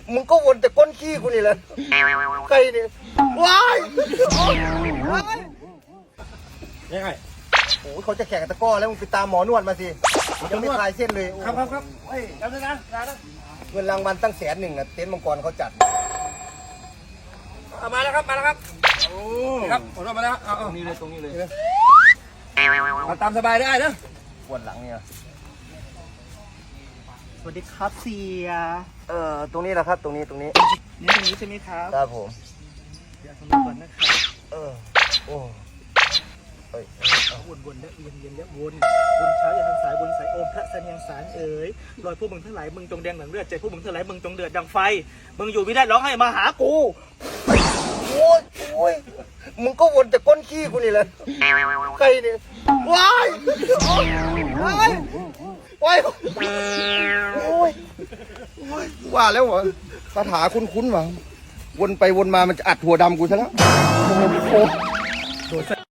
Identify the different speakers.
Speaker 1: มึงก็วนแต่ก้นขี้กูนี่แหละใครเนี่ยว้าย
Speaker 2: ยังไง
Speaker 1: โอ้เขาจะแข่งตะก้อแล้วมึงไปตามหมอนวดมาสิยังไม่คลายเส้นเลย
Speaker 2: ครับเฮ้ยแล้วนะ
Speaker 1: เงินรางวัลตั้ง100,000นะเต็นท์มังกรเขาจัด
Speaker 2: มาแล้วครับโอ้ครับผมมาแล้วเอานี่เลยตรงนี้เลยเอาตามสบายได้นะ
Speaker 1: ปวดหลังเนี่ย
Speaker 3: สวัสดีครับเสีย
Speaker 1: ตรงนี้แหละครับตรงนี้
Speaker 3: นี่ตรงนี้ใช่ไหมครับ
Speaker 1: ครับผม
Speaker 3: เดี๋ยวสมัครก่อนนะครับ
Speaker 1: โอ้
Speaker 3: วนและเวียนและวนเช้าอย่าทางสายวนสายโอมพระเสนียงสารเอ๋ยรอยพวกมึงทั้งหลายมึงจงแดงหลังเลือดใจพวกมึงทั้งหลายมึงจงเดือดดังไฟมึงอยู่ไม่ได้ร้องให้มาหากู
Speaker 1: โอ้ยมึงก็วนแต่ก้นขี้กูนี่แหละใครเนี่ยว้ายโอ้ยว่าแล้วเหรอคาถาคุ้นๆว่ะวนไปวนมามันจะอัดหัวดำกูซะแล้ว